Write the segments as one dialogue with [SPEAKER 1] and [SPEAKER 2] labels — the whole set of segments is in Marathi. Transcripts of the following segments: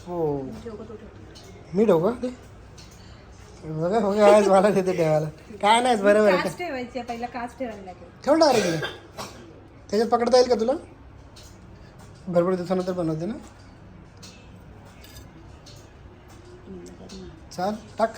[SPEAKER 1] हो मी ठेवू का ते बघा हो आज मला देते ठेवायला काय नाही बरोबर आहे
[SPEAKER 2] काच ठेवायची पहिला काच ठेवायला लागेल
[SPEAKER 1] ठेव डायरेक्ट त्याच्यात पकडता येईल का तुला भरपूर दिवसानंतर बनवते ना चाल टाक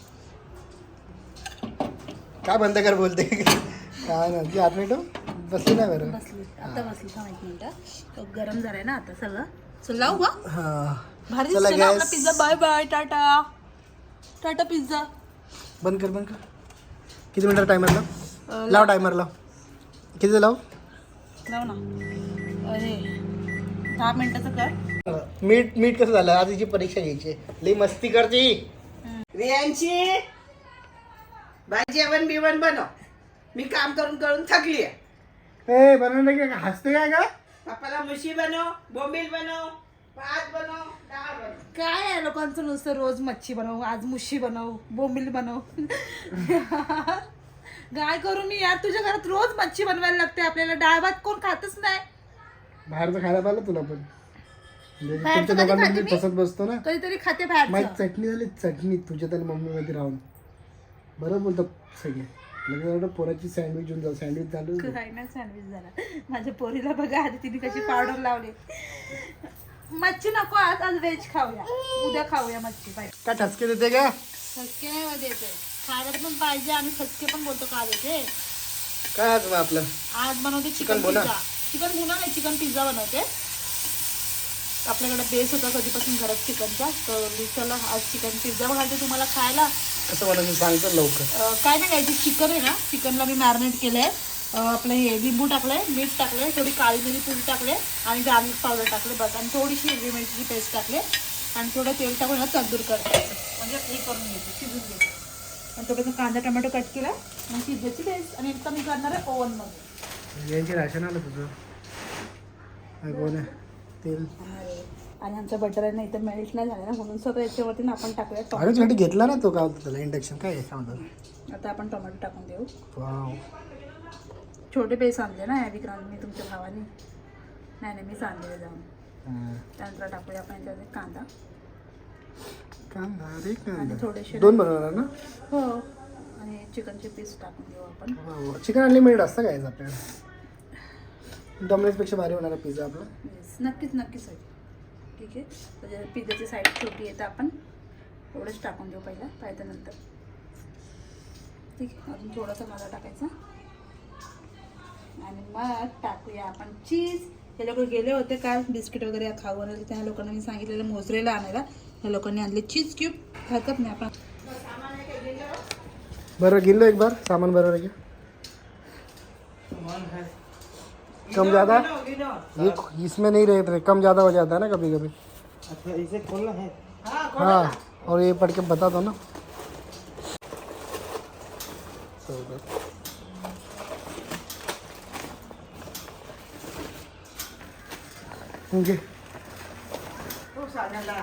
[SPEAKER 1] काय बंद कर बोलते काय नाही ती 8 मिनिटं बसली नाही बरं
[SPEAKER 2] बसली आता बसली का माहिती मिनिटं गरम झालंय ना आता सगळं चल लावू का
[SPEAKER 1] हां
[SPEAKER 2] भारी
[SPEAKER 1] चला
[SPEAKER 2] दिसतोय ना आपला
[SPEAKER 1] gas
[SPEAKER 2] pizza bye bye tata tata pizza
[SPEAKER 1] बंद कर किती मिनिटं टायमर लाव टायमर लाव किती लाव
[SPEAKER 2] लाव ना अरे 10 मिनिटाचं कर
[SPEAKER 1] मीठ कसं झालं आज हिची परीक्षा घ्यायची लई मस्ती करते
[SPEAKER 3] रियांची भाजी जेवण बिवण बनव मी काम करून करून थकली आहे
[SPEAKER 1] ए बनवलं की हसते काय का
[SPEAKER 3] पप्पाला मुशी बनव बोंबील बनव भात बनव डाळ बनव
[SPEAKER 2] काय आहे लोकांचं नुसतं रोज मच्छी बनव आज मुशी बनव बोंबील बनव काय करू मी यार तुझ्या घरात रोज मच्छी बनवायला लागते आपल्याला डाळ भात कोण खातच नाही
[SPEAKER 1] बाहेरचं खायला पाहिलं तुला पण म्हणजे
[SPEAKER 2] बाहेरचं
[SPEAKER 1] तुमच्या
[SPEAKER 2] कधी
[SPEAKER 1] दोघांना
[SPEAKER 2] खाते
[SPEAKER 1] मी
[SPEAKER 2] मी?
[SPEAKER 1] तसंच बसतो ना
[SPEAKER 2] कधीतरी खाते
[SPEAKER 1] माझी
[SPEAKER 2] बाहेरचं
[SPEAKER 1] चटणी झाली चटणी तुझ्या आणि मम्मी मध्ये राहून बरं बोलतो सगळे लगेच एवढं पोराची सँडविच होऊन जाऊ सँडविच झालं
[SPEAKER 2] काय ना सँडविच झाला माझ्या पोरीला बघा आधी तिने कशी पावडर लावली मच्छी नको आज व्हेज खाऊया उद्या खाऊया मच्छी पाहिजे
[SPEAKER 1] काय ठसके देते का
[SPEAKER 2] खसके नाही मध्ये येते खायला पण पाहिजे आणि खसके पण बोलतो का येते
[SPEAKER 1] काय आज मग आपलं
[SPEAKER 2] आज बनवते
[SPEAKER 1] चिकन
[SPEAKER 2] चिकन
[SPEAKER 1] भुना?
[SPEAKER 2] पिझ्झा चिकन भुना नाही चिकन पिझ्झा बनवते आपल्याकडे बेस होता कधीपासून घरात चिकनचा तर चला आज चिकन पिझ्झा घालते तुम्हाला खायला
[SPEAKER 1] कसं बनवून सांगतो लवकर
[SPEAKER 2] काय नाही घ्यायचं चिकन आहे ना चिकनला मी मॅरिनेट केलं आहे आपलं हे लिंबू टाकलं आहे मीठ टाकलं आहे थोडी काळी मिरी पूड टाकले आणि गार्लिक पावडर टाकले बस आणि थोडीशी हिरवी मिरचीची पेस्ट टाकले आणि थोडं तेल टाकून ना तंदूर करायचं म्हणजे हे करून घ्यायचं शिजून घ्यायचं आणि थोडंसं कांदा टोमॅटो कट केला आणि पिझ्झाची पेस्ट आणि आता मी करणार आहे ओव्हनमध्ये
[SPEAKER 1] यांची राशन आलं तुझं कोण आहे तेल
[SPEAKER 2] आणि आमचा बटर आहे ना इथं मेल्ट नाही झालं ना म्हणून सगळं याच्यावरती ना आपण टाकूया
[SPEAKER 1] अरे
[SPEAKER 2] टोमॅटो
[SPEAKER 1] तुझ्यासाठी घेतला ना तो काय होतं त्याला इंडक्शन काय आहे सांगतो
[SPEAKER 2] आता आपण टोमॅटो टाकून देऊ
[SPEAKER 1] वाव
[SPEAKER 2] छोटे पेस आणले ना विक्रांत मी तुमच्या भावाने नाही नाही मीच आणलेले जाऊन त्यानंतर टाकूया आपण याच्यामध्ये कांदा
[SPEAKER 1] कांदा रे
[SPEAKER 2] आणि
[SPEAKER 1] कांदा
[SPEAKER 2] थोडेसे
[SPEAKER 1] 2 बनवणार ना
[SPEAKER 2] हो आणि चिकनचे पीस टाकून देऊ आपण
[SPEAKER 1] चिकन अनलिमिटेड असतं काय आपल्याला डॉमिनोजपेक्षा भारी होणारा पिझ्झा आपला
[SPEAKER 2] येस नक्कीच नक्कीच आहे ठीक आहे म्हणजे पिझ्झाची साईड छोटी आहे तर आपण एवढंच टाकून देऊ पहिला पाहिजे नंतर ठीक आहे अजून थोडासा मसाला टाकायचा आणि मग टाकूया आपण चीज हे लोक गेले होते काल बिस्किट वगैरे खाऊ आले त्या लोकांना मी सांगितलेलं मोजरेला आणायला ह्या लोकांनी आणले चीज क्यूब खातात नाही आपण
[SPEAKER 1] बरं गिन लो एक बार सामान बरोबर है कम ज़्यादा ये इसमें नहीं रहते कम ज़्यादा हो जाता है ना कभी कभी
[SPEAKER 3] अच्छा इसे खोलना है
[SPEAKER 1] हाँ और ये पढ़ के बता दो ना ओके
[SPEAKER 3] खूप साध्याला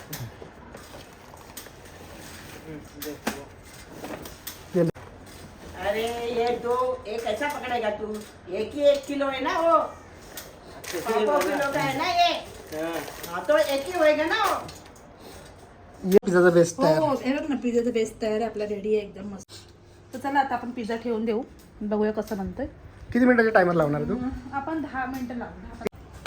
[SPEAKER 1] ये ले।
[SPEAKER 3] अरे ये दो एक ऐसा पकड़ेगा तू एक ही 1 किलो है ना वो 5 किलो का है ना ये हाँ तो एक ही होएगा ना वो
[SPEAKER 1] ये पिझ्झाचा बेस्ट आहे
[SPEAKER 2] हो हे बघ ना पिझ्झाचं बेस्ट तयार आहे आपला रेडी आहे एकदम मस्त तर चला आता आपण पिझ्झा ठेवून देऊ बघूया कसं बनतोय
[SPEAKER 1] किती मिनिटाचा टायमर लावणार तू
[SPEAKER 2] आपण 10 मिनिटं लावू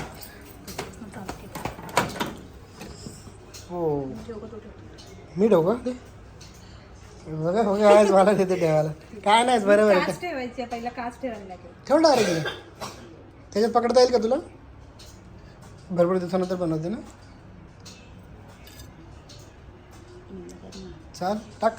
[SPEAKER 1] हो मी ठेवू का ते बघा हो आज मला देते ठेवायला काय नाही बरोबर आहे
[SPEAKER 2] काच ठेवायची पहिला काच ठेवायला लागेल
[SPEAKER 1] ठेव डायरेक्ट त्याच्यात पकडता येईल का तुला भरपूर दिवसानंतर बनवते ना चाल टाक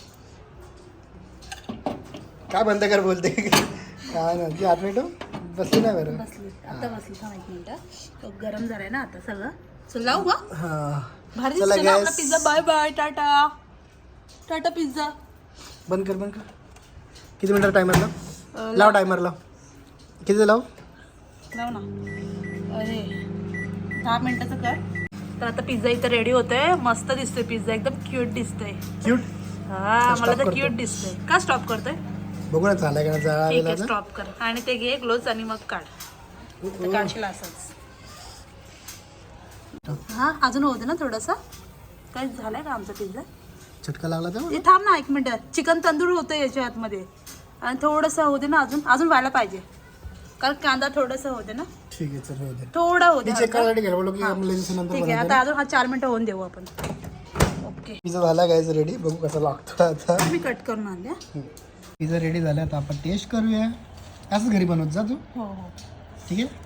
[SPEAKER 1] काय बंद कर बोलते काय नाही ती 8 मिनिटं बसली नाही बरं
[SPEAKER 2] बसली आता बसली का माहिती मिनिटं गरम झालंय ना आता सगळं चल लावू का
[SPEAKER 1] हां
[SPEAKER 2] भारी
[SPEAKER 1] चला
[SPEAKER 2] दिसतोय ना आपला
[SPEAKER 1] gas
[SPEAKER 2] pizza bye bye tata tata pizza
[SPEAKER 1] बंद कर किती मिनिटं टायमर लाव टायमर लाव किती लाव
[SPEAKER 2] लाव ना अरे 10 मिनिटाचं कर तर आता पिझ्झा इथं रेडी होतोय मस्त दिसतोय पिझ्झा एकदम क्यूट दिसतोय
[SPEAKER 1] क्यूट
[SPEAKER 2] हा मला तर क्यूट दिसतोय का स्टॉप करतोय
[SPEAKER 1] बघू ना चालाय का जाळा
[SPEAKER 2] ठीक
[SPEAKER 1] गेला
[SPEAKER 2] आहे स्टॉप कर आणि ते घे ग्लोव्स आणि मग काढ ते काढशील असंच हा अजून होते ना थोडंसं. काय झालंय का आमचा पिझ्झा?
[SPEAKER 1] चटका लागला तर
[SPEAKER 2] हे थांब ना 1 मिनिट. चिकन तंदूर होतं याच्या आतमध्ये आणि थोडंसं होते ना अजून व्हायला पाहिजे कारण कांदा थोडंसं होते ना.
[SPEAKER 1] ठीक आहे चल होते.
[SPEAKER 2] थोडा होते.
[SPEAKER 1] मी चेक करायसाठी गेलो बोललो की ॲम्ब्युलन्स नंतर
[SPEAKER 2] ठीक आहे आता अजून 4 मिनिटं होऊन देऊ आपण. ओके
[SPEAKER 1] पिझ्झा झाला गायचं रेडी. बघू कसा लागतो आता.
[SPEAKER 2] मी कट करून आणले.
[SPEAKER 1] पिझ्झा रेडी झाला आता आपण टेस्ट करूया. असंच घरी बनवत जा तू.
[SPEAKER 2] हो हो
[SPEAKER 1] ठीक आहे.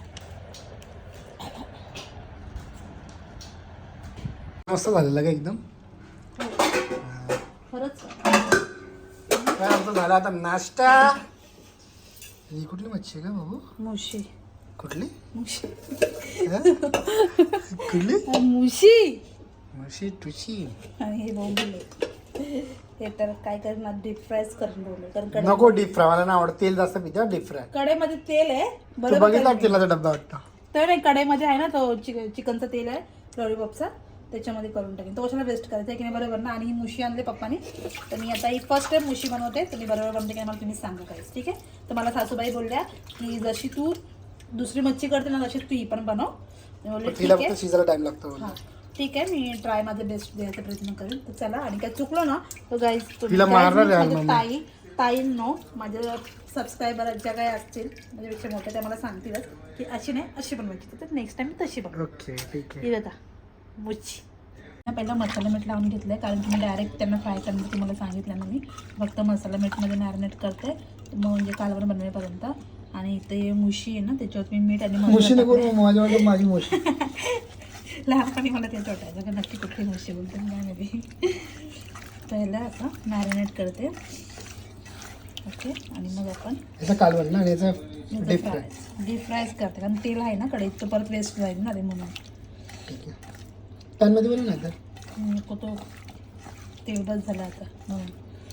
[SPEAKER 1] मस्त झालेलं का एकदम.
[SPEAKER 2] खरंच
[SPEAKER 1] काय आमचं झालं आता नाश्ता. ही कुठली मच्छी आहे का बाबू?
[SPEAKER 2] मुशी
[SPEAKER 1] कुठली
[SPEAKER 2] मुशी
[SPEAKER 1] हा? कुठली
[SPEAKER 2] मुशी
[SPEAKER 1] मशी टुशी.
[SPEAKER 2] आणि हे बोंबले हे तर काय करणार डीप फ्रायच करून बोलले कारण
[SPEAKER 1] नको डीप फ्राय. मला ना आवडत तेल जास्त पिझ्झा डीप फ्राय.
[SPEAKER 2] कढईमध्ये तेल आहे
[SPEAKER 1] तू
[SPEAKER 2] बरोबर.
[SPEAKER 1] बघितला तेलाचा डब्बा वाटतं.
[SPEAKER 2] तर नाही कढईमध्ये आहे ना तो चिकनचं तेल आहे लॉलीपॉपचा त्याच्यामध्ये करून टाकेन. तो कशाला वेस्ट करायचा आहे की नाही बरोबर ना. आणि ही मुशी आणली पप्पानी तर मी आता ही फर्स्ट टाइम मुशी बनवते. तर मी बरोबर बनते की मला तुम्ही सांगा काहीच. ठीक आहे. तर मला सासूबाई बोलल्या की जशी तू दुसरी मच्छी करते ना तशीच तू ही पण बनव. मी बोलले
[SPEAKER 1] तिला
[SPEAKER 2] ठीक आहे.
[SPEAKER 1] फक्त शिजायला टाइम लागतो.
[SPEAKER 2] हां ठीक आहे मी ट्राय माझं बेस्ट द्यायचा प्रयत्न करेन. तर चला आणि काय चुकलो ना तर गाईज
[SPEAKER 1] तिला मारणार आहे मम्मी.
[SPEAKER 2] ताईंनो माझ्या सबस्क्रायबर ज्या काही असतील माझ्यापेक्षा मोठ्या त्या मला सांगतीलच की अशी नाही अशी बनवायची तर नेक्स्ट टाइम तशी बनव.
[SPEAKER 1] ओके ठीक आहे.
[SPEAKER 2] ही बघा मुच्छी. पहिला मसाला मीठ लावून घेतलं आहे कारण की मी डायरेक्ट त्यांना फ्राय करण्याचं तुम्हाला सांगितलं ना. मी फक्त मसाला मीठमध्ये मॅरिनेट करते मग म्हणजे कालवण बनवेपर्यंत. आणि इथे मुशी आहे ना त्याच्यावर मी मीठ आणि
[SPEAKER 1] मुशी नको माझ्या वाटत माझी मुशी.
[SPEAKER 2] लहानपणी मला तेच वाटायचं का नक्की कुठली मुशी बोलते नाही मी. पहिला आता मॅरिनेट करते. ओके आणि मग आपण
[SPEAKER 1] याचा कालवण ना आणि याचा डीप फ्राय.
[SPEAKER 2] डीप फ्रायच करते कारण तेल आहे ना कढईत तर परत वेस्ट जाईल ना रे म्हणून.
[SPEAKER 1] ठीक आहे. पॅनमध्ये बनवू ना तर
[SPEAKER 2] नको तो तेवढंच झालं आता म्हणून.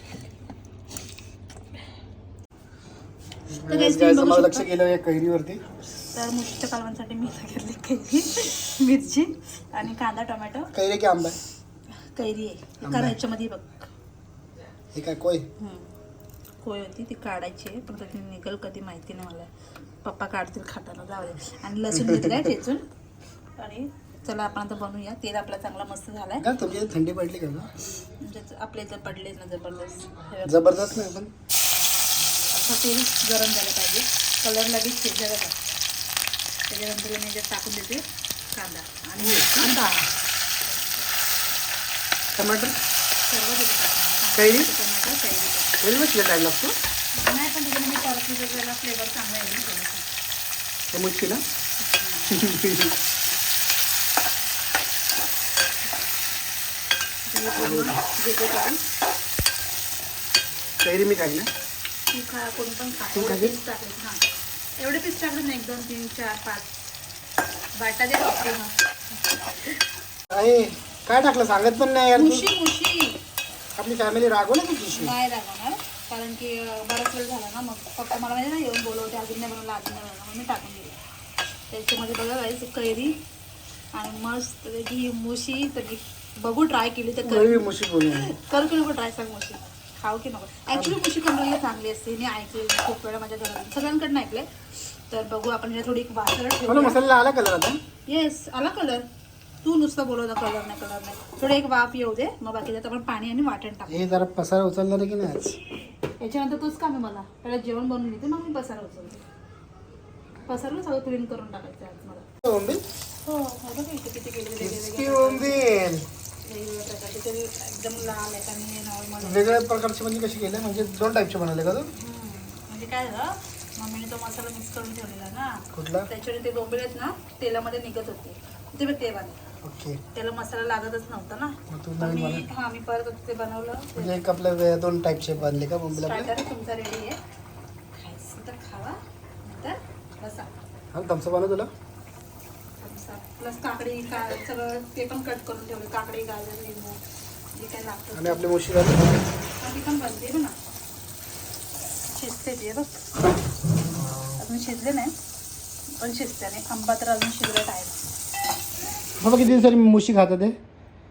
[SPEAKER 2] तर guys, तुम्ही बघू
[SPEAKER 1] मला लक्ष
[SPEAKER 2] शकता.
[SPEAKER 1] गेलं या कैरीवरती.
[SPEAKER 2] तर मुशीच्या कालवणसाठी मी घेतली कैरी मिरची आणि कांदा टोमॅटो.
[SPEAKER 1] कैरी की आंबा आहे?
[SPEAKER 2] कैरी आहे कारण याच्यामध्ये बघ
[SPEAKER 1] हे काय कोय?
[SPEAKER 2] कोय होती ती काढायची आहे पण ती निघल कधी माहिती नाही मला. पप्पा काढतील खाताना जाऊ दे. आणि लसूण घेतलं आहे ठेचून. आणि चला आपण आता बनवूया. तेल आपला चांगला मस्त झाला आहे.
[SPEAKER 1] का तुमची थंडी पडली का?
[SPEAKER 2] म्हणजे आपले जर पडले ना जबरदस्त
[SPEAKER 1] जबरदस्त नाही पण
[SPEAKER 2] असं तेल गरम झालं पाहिजे. कलर लगेच शिजला बघा. त्याच्यानंतर मी जे टाकून देते कांदा आणि कांदा
[SPEAKER 1] टमाटर
[SPEAKER 2] सर्व देते टाकून.
[SPEAKER 1] कैरी
[SPEAKER 2] टोमॅटो कैरी
[SPEAKER 1] कैरी मग टाईम लागतो.
[SPEAKER 2] नाही पण त्याच्याने मी परत त्याला फ्लेवर चांगला येईल ना थोडंसं.
[SPEAKER 1] ते मुच्छी ना.
[SPEAKER 2] घेते करून
[SPEAKER 1] कैरी मी काही ना.
[SPEAKER 2] ती खा कोणी पण खा.
[SPEAKER 1] तू
[SPEAKER 2] एवढे
[SPEAKER 1] खाते?
[SPEAKER 2] पीस टाकले हां एवढे पीस टाकले ना 1 2 3 4 5 बाटा दे बापरे.
[SPEAKER 1] आहे काय टाकलं सांगत पण नाही यार तू.
[SPEAKER 2] मुशी
[SPEAKER 1] आपली फॅमिली रागवलं की तुझी?
[SPEAKER 2] नाही रागवणार कारण की बराच वेळ झाला ना. मग पप्पा मला माहिती ना येऊन बोलवते अजून नाही बनवलं अजून नाही बनवलं मग मी टाकून दिली. त्याच्यामध्ये बघा जायचं कैरी आणि मस्त ही मुशी तर बघू ट्राय केली तर
[SPEAKER 1] कैरी मुशी बोलून
[SPEAKER 2] करू की नको ट्राय सांग मुशी खाऊ की नको. ॲक्च्युली मुशी बनवायला चांगली असते. मी ऐकले खूप वेळा माझ्या घरात सगळ्यांकडनं ऐकले. तर बघू आपण हे थोडी वासरत
[SPEAKER 1] मला
[SPEAKER 2] ठेवू.
[SPEAKER 1] मसाला आला कलर आता.
[SPEAKER 2] येस आला कलर. तू नुसतं बोलवता कलर नाही थोडं एक वाफ येऊ दे मग बाकी त्यात आपण पाणी आणि वाटण टाकू.
[SPEAKER 1] हे जरा पसारा उचलणार आहे की नाही आज?
[SPEAKER 2] याच्यानंतर तूच काम आहे मला. पहिला जेवण बनवून घेते मग मी पसारा उचलते. पसारला सगळं क्लीन करून टाकायचं आज मला.
[SPEAKER 1] बोंबील
[SPEAKER 2] हो बघा इथे किती केले
[SPEAKER 1] किती बोंबील
[SPEAKER 2] वेगवेगळ्या प्रकारचे ते एकदम लाल आहेत आणि नॉर्मल.
[SPEAKER 1] वेगळ्या प्रकारचे म्हणजे कसे केले म्हणजे 2 टाईपचे बनवले का तू?
[SPEAKER 2] म्हणजे काय झालं मम्मीने तो मसाला मिक्स करून ठेवलेला ना
[SPEAKER 1] कुठला?
[SPEAKER 2] त्याच्याने ते बोंबील आहेत ना तेलामध्ये निघत होते ते बघ ते बनले.
[SPEAKER 1] ओके.
[SPEAKER 2] त्याला मसाला लागतच नव्हता ना.
[SPEAKER 1] मग तू
[SPEAKER 2] तर
[SPEAKER 1] नवीन
[SPEAKER 2] मी
[SPEAKER 1] बनव.
[SPEAKER 2] हां मी परत ते बनवलं.
[SPEAKER 1] म्हणजे एक आपल्या 2 टाईपचे बनले का बोंबील आपले?
[SPEAKER 2] स्टार्टर तुमचा रेडी आहे. खायचं तर खावा नंतर बसा.
[SPEAKER 1] हा तमचं बनव तुला.
[SPEAKER 2] प्लस काकडी सगळं ते पण कट करून ठेवले. काकडी गाजर लिंबू जे काय लागतं
[SPEAKER 1] आणि आपली मुशी झाली.
[SPEAKER 2] ती पण बनते ना शिजते ते बघ. अजून शिजले नाही पण शिजते नाही. आंबा तर अजून शिजत आहे.
[SPEAKER 1] बाबा किती दिवसांनी मुशी खातात ते?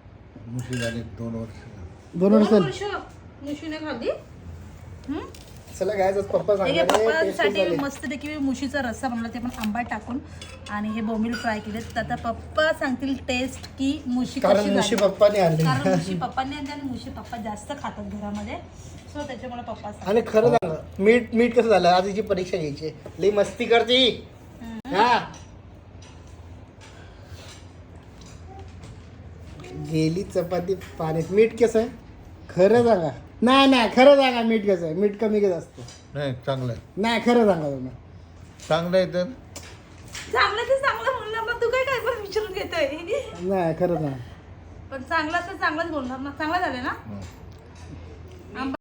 [SPEAKER 4] मुशी झाले 2 वर्ष.
[SPEAKER 1] 2 वर्ष.
[SPEAKER 2] मुशीने खाल्ली.
[SPEAKER 1] चला गायच पप्पा
[SPEAKER 2] हे
[SPEAKER 1] सांगणार
[SPEAKER 2] पप्पासाठी मस्तपैकी मुशीचा रस्सा बनवला ते पण आंबा टाकून आणि हे बोंबील फ्राय केले. तर आता पप्पा सांगतील टेस्ट की मुशी
[SPEAKER 1] कारण
[SPEAKER 2] कशी
[SPEAKER 1] मुशी
[SPEAKER 2] झाली.
[SPEAKER 1] पप्पाने आणली
[SPEAKER 2] कारण मुशी पप्पांनी आणली आणि मुशी पप्पा जास्त खातात घरामध्ये, सो त्याच्यामुळे पप्पा सांगतात.
[SPEAKER 1] आणि खरं सांग मीठ कसं झालं. आज हिची परीक्षा घ्यायची लई मस्ती करते हा. गेली चपाती पाण्यात. मीठ कसं आहे खरं सांगा. नाही खरं सांगा मीठ कसं आहे. मीठ कमी घेत असतं.
[SPEAKER 4] नाही चांगलं आहे.
[SPEAKER 1] नाही खरं सांगा तुम्ही.
[SPEAKER 4] चांगलं आहे तर
[SPEAKER 2] चांगलं ते चांगलं बोलणार ना, तू काय पण विचारून घेतोय.
[SPEAKER 1] नाही खरं सांगा.
[SPEAKER 2] पण चांगलं तर चांगलंच बोलणार ना. चांगलं झालं ना.